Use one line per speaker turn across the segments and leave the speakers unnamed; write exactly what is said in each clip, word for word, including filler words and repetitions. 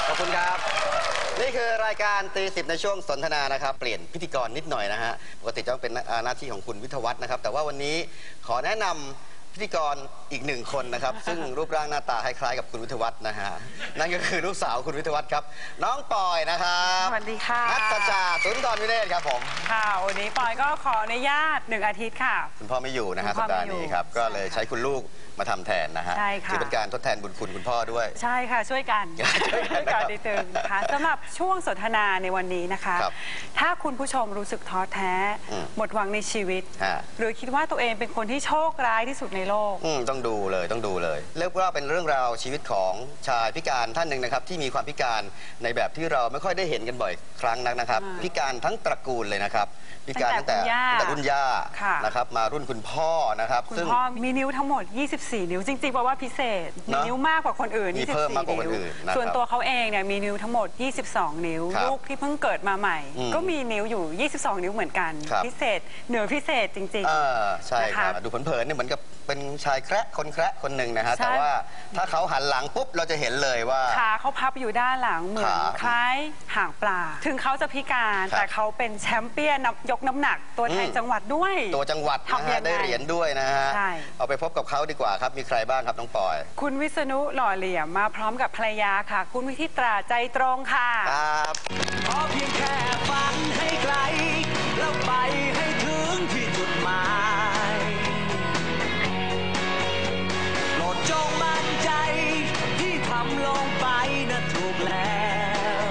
ขอบคุณครับนี่คือรายการตีสิบในช่วงสนทนานะครับเปลี่ยนพิธีกรนิดหน่อยนะฮะปกติจะต้องเป็นหน้าที่ของคุณวิทยวัฒน์นะครับแต่ว่าวันนี้ขอแนะนำพิธีกรอีกหนึ่งคนนะครับซึ่งรูปร่างหน้าตาคล้ายๆกับคุณวิทยวัฒน์นะฮะนั่นก็คือลูกสาวคุณวิทยวัฒน์ครับน้องปอยนะครับ
สวัสดีค่ะ
นัทจาสุนทรวิเนศครับผม
ค่ะวันนี้ปอยก็ขออนุญาตหนึ่งอาทิตย์ค่ะ
คุณพ่อไม่อยู่นะฮะสัปดาห์นี้ครับก็เลยใช้คุณลูกมาทำแทนนะฮะ
ใช่ค่ะ
ถือเป็นการทดแทนบุญคุณคุณพ่อด้วย
ใช่ค่ะช่วยกันช่วยกันนิดนึงนะคะสำหรับช่วงสนทนาในวันนี้นะคะถ้าคุณผู้ชมรู้สึกท้อแท้หมดหวังในชีวิตหรือคิดว่าตัวเองเป็นคนที่โชคร้ายที่สุดในโลก
ต้องดูเลยต้องดูเลยเรียกว่าเป็นเรื่องราวชีวิตของชายพิการท่านหนึ่งนะครับที่มีความพิการในแบบที่เราไม่ค่อยได้เห็นกันบ่อยครั้งนักนะครับพิการทั้งตระกูลเลยนะครับพิการตั้งแต่แต่รุ่นย่านะครับมารุ่นคุณพ่อนะครับ
คุณพ่อมีนิ้วทั้งหมดยี่สิบสี่นิ้วจริงๆเพราะว่าพิเศษมีนิ้วมากกว่าคนอื่น
มีเพิ่มมากกว่าคนอื่น
ส่วนตัวเขาเองเนี่ยมีนิ้วทั้งหมดยี่สิบสองนิ้วลูกที่เพิ่งเกิดมาใหม่ก็มีนิ้วอยู่ยี่สิบสองนิ้วเหมือนกันพิเศษเหนือพิเศษจริง
ๆใช่ครับดูเผินๆเนี่ยเหมือนกับเป็นชายแคระคนแคระคนหนึ่งนะฮะแต่ว่าถ้าเขาหันหลังปุ๊บเราจะเห็นเลยว่า
ขาเขาพับอยู่ด้านหลังเหมือนคล้ายหางปลาถึงเขาจะพิการแต่เขาเป็นแชมเปี้ยนยกน้ำหนักตัวแทนจังหวัดด้วย
ตัวจังหวัดนะฮะได้เหรียญด้วยนะฮะเอาไปพบกับเขาดีกว่าครับมีใครบ้างครับน้องปอย
คุณวิษณุหล่อเหลี่ยมมาพร้อมกับภรรยาค่ะคุณวิทิตราใจตรงค่ะ
ครับ
ขอเพียงแค่ฝันให้ไกลแล้วไปให้ถึงที่จุดหมายโปรดจงมั่นใจที่ทำลงไปน่ะถูกแล้ว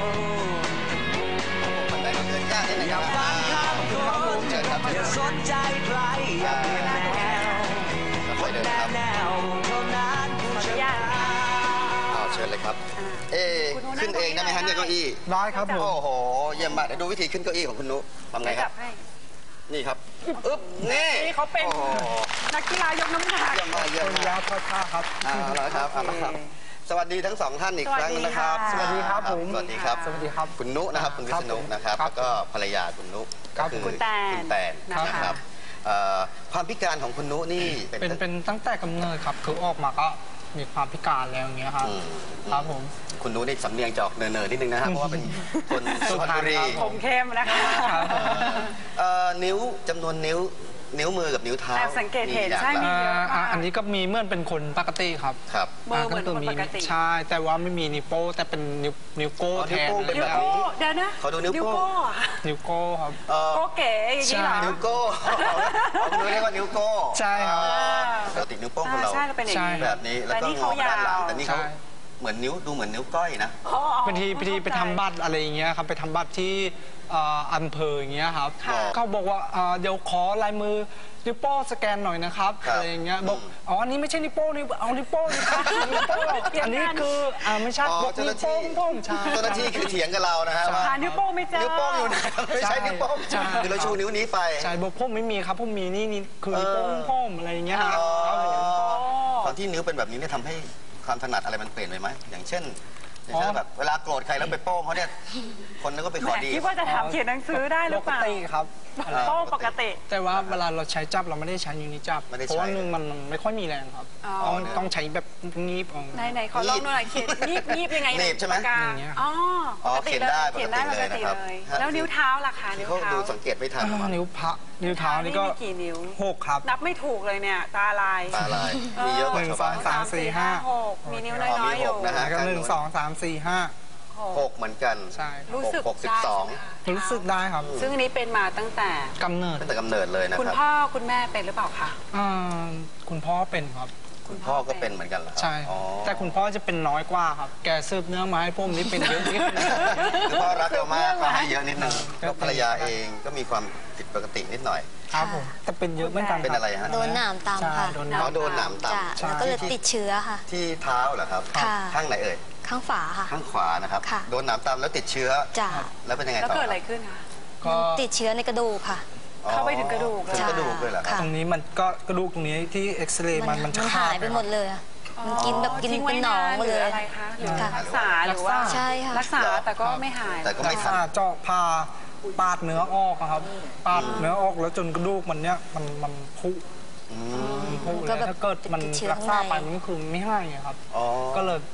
อย่าฟังคำคนอย่าสนใจใครอย่าเปลี่ยนแนวคนแนวแนวเท่านั้นผู้ชนะ
เอาเชิญเลยครับเอ๊ขึ้นเองได้ไหมฮะเนี่ยเก้าอี้
ได้ครับผม
โอ้โหเยี่ยมมากเดี๋ยวดูวิธีขึ้นเก้าอี้ของคุณนุทำไงครับนี่ครับอึ๊บนี่
เขาเป็นนักกีฬายกน้ำหนัก
เยี่ยมมากเยี่ยม
มากทอดข้าครับ
เอาละครับเอาละครับสวัสดีทั้งสองท่านอีกครั้งนะครับ
สวัสดีครับผม
สวัสดีครับ
สวัสดีครับ
คุณนุนะครับคุณวิษณุนะครับแล้วก็ภรรยาคุณนุ
ก็คือคุณแตน
คุณแตนนะครับความพิการของคุณนุนี่
เป็นเป็นตั้งแต่กำเนิดครับคือออกมาก็มีความพิการแล้วอย่างเงี้ยครับครับผม
คุณนุนี่สำเนียงจอกเนินๆนิดนึงนะครับเพราะว่าเป็นคนสุพรรณบุรี
ผมเข้มนะคะ
นิ้วจำนวนนิ้วนิ้วมือกับนิ้วเท้า
สังเกตเห็นใช่มีเยอะมาก
อันนี้ก็มีเหมือนเป็นคนปกติครับ
ครับ
มือเหมือนคนปกติ
ใช่แต่ว่าไม่มีนิ้วโป้แต่เป็นนิ้วนิ้วโก้แทน
นิ้ว
โก้เดี๋ยวนะ
เขาดูนิ้วโก้
นิ้วโก้ครับ
โก้เก๋อย่างนี้เหรอ
นิ้วโก้เขาเรียกว่านิ้วโก้
ใช่ครับ
ปกตินิ้วโป้งของเราแบบนี้แล้วก็งอด้านหลังแต่นี่เขาเหมือนนิ้วดูเหมือนนิ้วก้อยนะ
บางทีบางทีไปทำบัตรอะไรอย่างเงี้ยครับไปทำบัตรที่อำเภออย่างเงี้ยครับเขาบอกว่าเดี๋ยวขอลายมือนิ้วโป้สแกนหน่อยนะครับอะไรอย่างเงี้ยบอกอ๋ออันนี้ไม่ใช่นิ้วโป้นิ้วเอานิ้วโป้นิ้วโป้อันนี้คือไม่ใช่บอกนิ้วโป้งพ่งใช่
เจ้าหน้าที่คือเถียงกับเรานะฮะ
หานิ้วโป้ไม่เจอ
นิ้วโป้งอยู่ไหนไม่ใช่นิ้วโป้งคือเราชูนิ้วนี้ไป
ใช่บอกพ่มไม่มีครับพ่มมีนี่นี่คือนิ้วโป้งพ่มอะไรอย่างเงี้ยครับ
ตอนที่นิ้วเป็นแบบนี้เนี่ยทำให้ความถนัดอะไรมันเปลี่ยนไปไหมอย่างเช่นอย่างเช่นแบบเวลาโกรธใครแล้วไปโป้งเขาเนี่ยคนนั้นก็ไปขอดี
คิดว่าจะทำเขียนหนังสือได้หรือเปล่า
ปกติครับ
โป้งปกติ
แต่ว่าเวลาเราใช้จับเราไม่ได้ใช้นิ้วนี้จับเพราะว่านึงมันไม่ค่อยมีแรงครับต้องใช้แบบงีบ
ไหนไหนขอลองหน่อยเขียนงีบงีบยังไง
งีบใช่ไหม
อ๋อ
ปกติเลยเขียนได้ปกติ
เลยแล้วนิ้วเท้าล่ะคะนิ้วเท้า
ดูสังเกตไม่ทัน
นิ้วพระนิ้วเท้านี่ก็
กี่นิ้ว
หกครับ
นับไม่ถูกเลยเนี่ยตาลาย
ตาลายมีเยอะกว่า
หนึ่งสองสามสี่ห้า
หกมีนิ้วน้อยๆอยู่
นะฮะ
หนึ่งสองสามสี่ห้า
หกเหมือนกัน
ใช่
รู้สึก
หกสิบสอง
รู้สึกได้ครับ
ซึ่งอันนี้เป็นมาตั้งแต่
กำเนิด
ตั้งแต่กำเนิดเลยนะครับ
คุณพ่อคุณแม่เป็นหรือเปล่าคะ
คุณพ่อเป็นครับ
คุณพ่อก็เป็นเหมือนกันเหรอ
ใช่แต่คุณพ่อจะเป็นน้อยกว่าครับแกสืบเนื้อมาให้ผมนี่เป็นเยอะนิด
คือพ่อรักเรามากเขาให้เยอะนิดนึงแล้วภรรยาเองก็มีความผิดปกตินิดหน่อย
ครับผมแต่เป็นเยอะเหมือนกัน
เป็นอะไรฮะ
โดนหนามตำค่ะ
เขาโดนหนามต
ำแล้วก็เลยติดเชื้อค่ะ
ที่เท้าเหรอครับข้างไหนเอ่ย
ข้างฝาค่ะ
ข้างขวานะครับโดนหนามตำแล้วติดเชื้อ
จ้ะ
แล้วเป็นยังไงต่อ
แล้วเกิดอะไรขึ้นคะ
ก็ติดเชื้อในกระดูกค่ะ
เข้าไปถึงกระดูก
กระดูกเลยเหรอ
ตรงนี้มันก็กระดูกตรงนี้ที่เอ็กซเรย์มันมัน
หายไปหมดเลยมันกินแบบกินเป็นหนองเลย
อะไรคะหรือรักษาหรือว่า
ใช่ค่ะ
รักษาแต่ก็ไม่หาย
แต่ก็ไม่ทัน
เจาะผ่าปาดเนื้อออกครับปาดเนื้อออกแล้วจนกระดูกมันเนี้ยมันมันพุพุเลยถ้าเกิดมันรักษาไปมันคือไม่ให้ครับก็เลย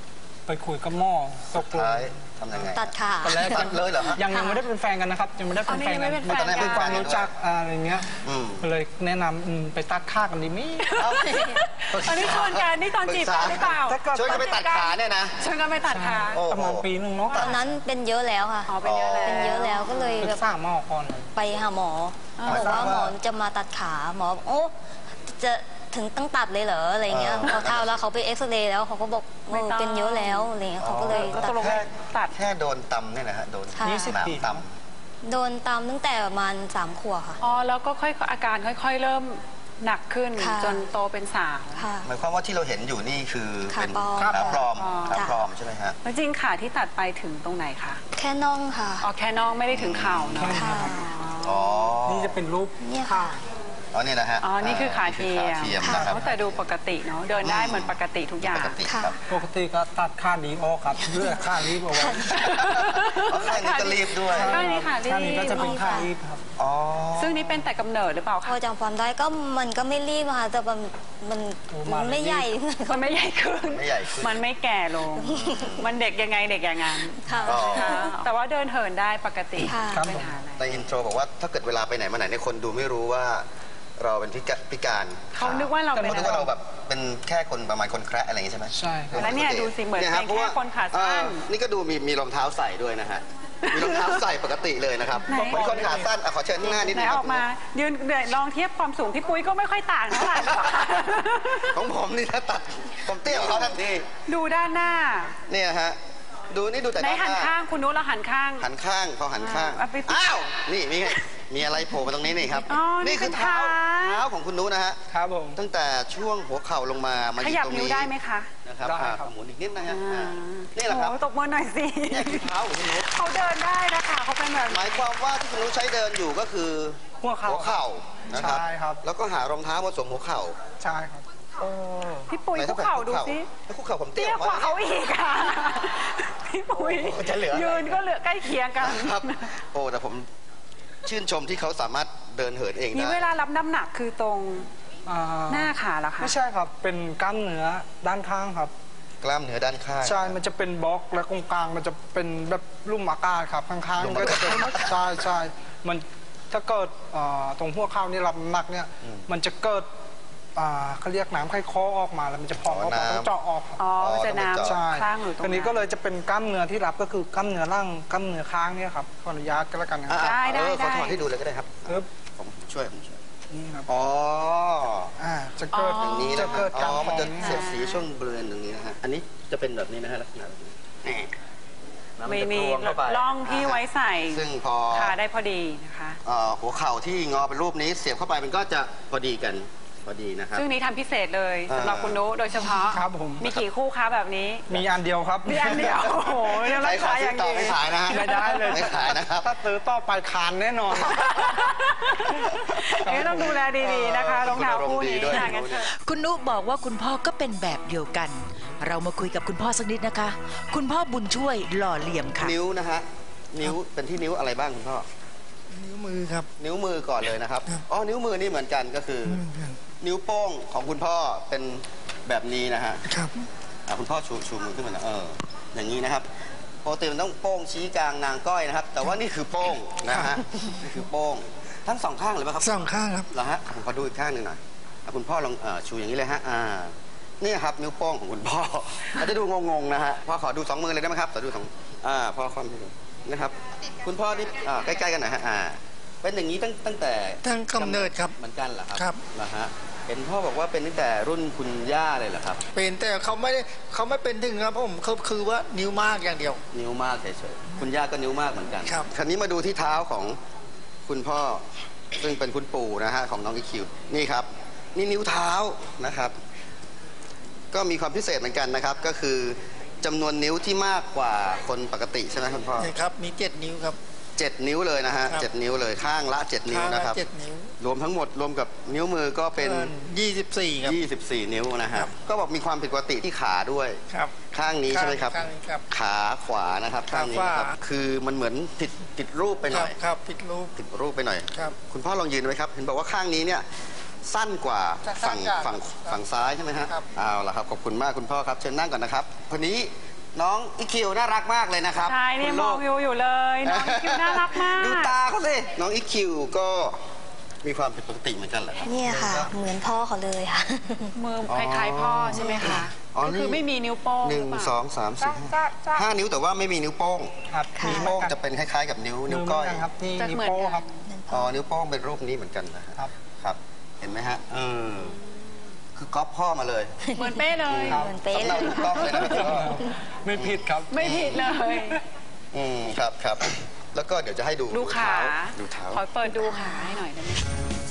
ไปคุยกับหมอตกลง
ท้ายทำยังไง
ตัดขา
ตอนแรก
ตัดเลยเหรอฮะ
ยังยังไม่ได้เป็นแฟนกันนะครับยังไม่ได้เป็นแฟน
อ๋อนี่ยังไม่
กั
เป็นแฟนกัน
เป็นความรู้จักอะไรเงี้ย
อืม
ก็เลยแนะนำอืมไปตัดค่ากันดีมั้ย
อันนี้ชวนกันนี่ตอนจีบกันหรือเปล่า
ช่วยกันไปตัดขาเนี่ยนะ
ชวนกันไปตัดขา
โอ้
ประ
โห
มาณปีหนึ่งเนาะ
ตอนนั้นเป็นเยอะแล้วค่ะ
อ๋อเป็นเยอะแล้ว
เป็นเยอะแล้วก็เลย
ปรึ
แบ
ก
บ
ษาหมอก่อน
ไปหาหมอบอกว่าหมอจะมาตัดขาหมอบอกโอ้จะถึงต้องตัดเลยเหรออะไรเงี้ยพอเท่าแล้วเขาไปเอ็กซเรย์แล้วเขาก็บอกเออเป็นเยอะแล้วอะไรเงี้ยเขาก็เลย
แล้ว
ตั
ต
ด
กลง
แค่
ตัด
แค่โดนตำเนี่ยนะฮะโดน
ค่ะ
หนามต
โดนตามตั้งแต่ประมาณสามขวบค่ะ
อ๋อแล้วก็ค่อยอาการค่อย ๆ เริ่มหนักขึ้น
ค่ะ
จนโตเป็นสาว
ค่ะ
ำหมายความว่าที่เราเห็นอยู่นี่คือ
ขา
เป็น
ปลอม
ขาปลอม
อ๋อ
ขาปลอมใช่ไหมฮะ
แล้วจริงขาที่ตัดไปถึงตรงไหนคะ
แค่น่องค่ะ
อ๋อแค่น้องไม่ได้ถึงเข่าเนาะ
ค่ะ
อ๋อ
นี่จะเป็นรูป
เนี่ยค่ะ
อ๋อนี่นะฮะ
อ๋อนี่คือขาเทีย
นี่คือขาเทียม
ม
นะครับ
แต่ดูปกติเนาะเดินได้เหมือนปกติทุกอย่าง
ปกติ
ค่ะ
ครับ
ปกติก็ตัดค่าดีออกครับเลือกค่ารีบเอาไว้
อ๋อข้างนี้ก็รีบด้วย
ข้างนี้ค่ะรีบ
ค่านี้ก็จะเป็นค่ารีบครับ
อ๋อ
ซึ่งนี่เป็นแต่กำเนิดหรือเปล่า
พ
คะ
อจำความได้ก็มันก็ไม่รีบอะค่ะแต่มันมัน
โอ้มา
ไม่ใหญ่
มันไม่ใหญ่ขึ้น
ไม่ใหญ่ขึ้น
มันไม่แก่ลง มันเด็กยังไงเด็กอย่างนั้น
ค่ะ
อ๋อ
ค่ะแต่ว่าเดินเหินได้ปกติ
ค่ะ
ไม่เป็นปัญหาอะไร
ในอินโทรบอกว่าถ้าเกิดเวลาไปไหนมาไหนเนี่ยคนดูไม่รู้ว่าเราเป็นพิกาพิการ
เขานึกว่าเราเป็น
เขานึกว่าเราแบบเป็นแค่คนประมาณคนแคระอะไรอย่างงี้ใช่ไหม
ใช่ครับ
แล้วเนี่ยดูสิเหมือน
ย
เป็น
รับพระว่
แค่คนขาสั้น
เอ่อนี่ก็ดูมีมีรองเท้าใส่ด้วยนะฮะมีรองเท้าใส่ปกติเลยนะครับ
ไหน
เป็นคนขาสั้นอ่ะขอเชิญที่หน้านิด
ไหน
นึงค
อ
รั
อบ กมายืนเดี๋ยวลองเทียบความสูงพี่ปุ้ยก็ไม่ค่อยต่างเท่าไหร่หรอก
ของผมนี่ถ้าตัดผมเตี้ยกว่าเขาทันที
ดูด้านหน้า
เนี่ยฮะดูนี่ดูแต่
ไหน
ด้านห
หัน
น้า
ข้างคุณนุ้เราหันข้าง
หันข้างพอหันข้าง
อ่าไป
อ้าวนี่มีไงมีอะไรโผล่มาตรงนี้นี่ครับ
อ๋อนี่
คือเท้า
เป็นเท้า
เท้าของคุณนุนะฮะ
ครับผม
ตั้งแต่ช่วงหัวเข่าลงมามาอ
ข
ยู่
ยับ
ตรง
นิ้ว
นี้
ได้ไหมคะ
นะครับ
ได้
อ่า
ครับ
หมุนอีกนิดนะฮะ
อ่า
อ่านี่แหละครับ
โอ้ตบมือหน่อยสิ
นี่คือเท้าของคุณนุ
เขาเดินได้นะคะเขาเป็นแบบ
หมายความว่าที่คุณนุใช้เดินอยู่ก็คือ
หัวเข่า
หัวเข่านะครับ
ใช่ครับ
แล้วก็หารองเท้ามาสวมหัวเข่า
ใช่ครับ
พี่ปุ้ย
ไหน
คุกเข่าดูสิ
แล้วคุกเข่าผมเตี้
เตี้
ย
ยกว่าเขาอีกค่ะพี่ปุ้ย
โอ้จะเหลืออะไร
ยืนก็เหลือใกล้เคียงกัน
ครับโอ้แต่ผมชื่นชมที่เขาสามารถเดินเหินเอง
นี่
ได้
เวลารับน้ำหนักคือตรง
อ่า
หน้าขาเหรอคะ
ไม่ใช่ครับ เป็นกล้ามเนื้อด้านข้างครับ
กล้ามเนื้อด้านข้าง
ใช่ มันจะเป็นบล็อกและตรงกลางมันจะเป็นแบบลุ่มอากาศครับข้าง
ลุ่ม
ๆก็
อากาศ
จะเป็นใช่ใช่มันถ้าเกิดอ่าตรงหัวเข่านี่รับน้ำหนักเนี่ย มันจะเกิดอ่าเขาเรียกน้ำไข้คอออกมาแล้วมันจะพองออกมาต้องเจาะออกครับ
อ๋อมันจะน้
ใช่
ำคลั่งอยู่ตรง
ที
นั้
นี้
น
ก็เลยจะเป็นกล้ามเนื้อที่รับก็คือกล้ามเนื้อล่างกล้ามเนื้อค้างเนี่ยครับขออนุญาตก็แล้วกันนะค
อ่ะ
รับ
ได้ได้
เออ
ได้
เขาถอดให้ดูเลยก็ได้ครับ
ปึ๊บ
ผมช่วยผมช่วย
นี่ครับ
อ๋อ
อ่าจะเกิด
อย่างนี้
จะ
นะครั
เกิ
บ
ด
อ๋
การ
อ
พ
มัน
อง
จะ
นี่
เสียด
ฮะ
สีช่วงบริเวณตรงนี้นะฮะ อันนี้จะเป็นแบบนี้นะฮะลักษณะแบบนี้แหม่แล้วน
ไม่
จะ
มี
กลวงเข้าไป
ร่องที่ไว้ใส่
ซึ่งพอ
ขาได้พอดีนะคะ
เอ่อหัวเข่าที่งอเป็นรูปนี้เสียบเข้าไปมันก็จะพอดีกันพอดีนะครับ
ซึ่งนี้ทำพิเศษเลยสำหรับ
อ่า
คุณนุโดยเฉพาะ
ครับผม
มีกี่คู่คะแบบนี้
มีอันเดียวครับ
มีอันเดียว โอ้โหเรื่อง
ใคร
รา
ขอ
คาอ
ซื้อย่าง ต่อ
ดี
ไม่ขายนะฮะ
ไม่ได้เลย
ไม่ขายนะครับ
ถ้าซื้อต่อไปคานแน่นอน
เอ๊ะต้องดูแลดีๆนะคะรองเท้าคู่นี้
คุณอารมณ์ดีด้วย
ห่างกันเถอะ
คุณนุบอกว่าคุณพ่อก็เป็นแบบเดียวกัน เรามาคุยกับคุณพ่อสักนิดนะคะ คุณพ่อบุญช่วยหล่อเหลี่ยมค่ะ
นิ้วนะฮะ นิ้วเป็นที่นิ้วอะไรบ้างคุณพ่อ
นิ้วมือครับ
นิ้วมือก่อนเลยนะครับ
ครับ
อ๋อ นิ้วมือนี่เหมือนกันก็คือ
เหมือนกัน
นิ้วโป้งของคุณพ่อเป็นแบบนี้นะฮะ
ครับ
อ่ะคุณพ่อชูชูมือขึ้นมาหนะเออ อย่างนี้นะครับปกติมันต้องโป้งชี้กลางนางก้อยนะครับ แต่ว่านี่คือโป้งนะฮะ นี่คือโป้ง ทั้งสองข้างเลยไหมครับ
สองข้างครับ
เหรอฮะผมขอดูอีกข้างหนึ่งหน่อยอ่ะคุณพ่อลองเอ่อชูอย่างนี้เลยฮะ อ่า นี่ครับนิ้วโป้งของคุณพ่อ อาจจะดูงงๆนะฮะ พ่อขอดูสองมือเลยได้ไหมครับขอดูสองอ่า พ่อคว่ำให้ดูนะครับ คุณพ่อนี่อ่าใกล้ๆกันหน่อยฮะ อ่า เป็นอย่างนี้ตั้งตั้งแต่
ตั้งกำเนิดครับ
เหมือนกันเหรอครับ
ครับ
เหรอฮะ เห็นพ่อบอกว่าเป็นตั้งแต่รุ่นคุณย่าเลยเหรอครับ
เป็นแต่เขาไม่ได้เขาไม่เป็นถึงครับผมเขาคือว่านิ้วมากอย่างเดียว
นิ้วมากเฉยๆ คุณย่าก็นิ้วมากเหมือนกัน
ครับ
คราวนี้มาดูที่เท้าของคุณพ่อ ซึ่งเป็นคุณปู่นะฮะของน้องอีคิว นี่ครับ นี่นิ้วเท้านะครับ ก็มีความพิเศษเหมือนกันนะครับ ก็คือจำนวนนิ้วที่มากกว่าคนปกติใช่ไหมคุณพ่อ
นี่ครับ มีเจ็ดนิ้วครับ
เจ็ดนิ้วเลยนะฮะ
ครับ
เจ็ดนิ้วเลยข้างละเจ็ดนิ้ว
ข้างละ
นะครับ
เจ็ดนิ้ว
รวมทั้งหมดรวมกับนิ้วมือก็เป็น
ยี่สิบสี่ครับ
ยี่สิบสี่นิ้วนะฮะ
ครับ
ก็บอกมีความผิดปกติที่ขาด้วย
ครับ
ข้างนี้ใช่ไหมครับ
ข้างนี้ครับ
ขาขวานะครับ
ขา
ข้างนี้นะครับ
ขวา
คือมันเหมือนติดติดรูปไปห
ค
น่
รั
อบ ย
ครับผิดรูป
ติดรูปไปหน่อย
ครับ
คุณพ่อลองยืนไว้ครับ เห็นบอกว่าข้างนี้เนี่ยสั้นกว่า
สั้
ฝั่ง
นกว่า
ฝั่ง
ครับ
ฝั่งซ้ายใช่ไหมฮะ
ครับ
เอาละครับขอบคุณมากคุณพ่อครับเชิญนั่งก่อนนะครับคนนี้น้องอีคิวน่ารักมากเลยนะครับ
ใช่นี่
คุณ
ม
ลู
อง
ก
อยู่อยู่เลยน้องอีคิวน่ารักมาก
ดูตาเขาสิน้องอีคิวก็มีความผิดปกติเหมือนกันเหรอครับ
เนี่ยค่ะ เหมือนพ่อเขาเลยค่ะ
มือคล้ายๆพ่อใช่ไหมคะ
อ๋อ
ก็คือ
นี่
ไม่มีนิ้วโป้ง
หนึ่ง
รือเปล่า
สองสามสี่ห้าห้านิ้วแต่ว่าไม่มีนิ้วโป้ง
ครับ
นิ้วโป้งจะเป็นคล้ายๆ กับนิ้วนิ้วก้อย
มืเหมืนนครับนี่
จะ
นิ้ว
เหมือน
โป้
กัน
ครับ
อ๋อนิ้วโป้งเป็นรูปนี้เหมือนกันนะฮะ
ครับ
ครับ เห็นไหมฮะเออคือก๊อปพ่อมาเลย
เหมือนเป้เลย
เหมือนเป๊ะ
สำ
เล
เนาย ถูกต้องเลยนะพี่
ไม่ผิดครับ
ไม่ผิดเลย
อืมครับครับแล้วก็เดี๋ยวจะให้ดู
ดูขา
ดูเท้า
ขอเปิดดูขาให้หน่อยได้ไหม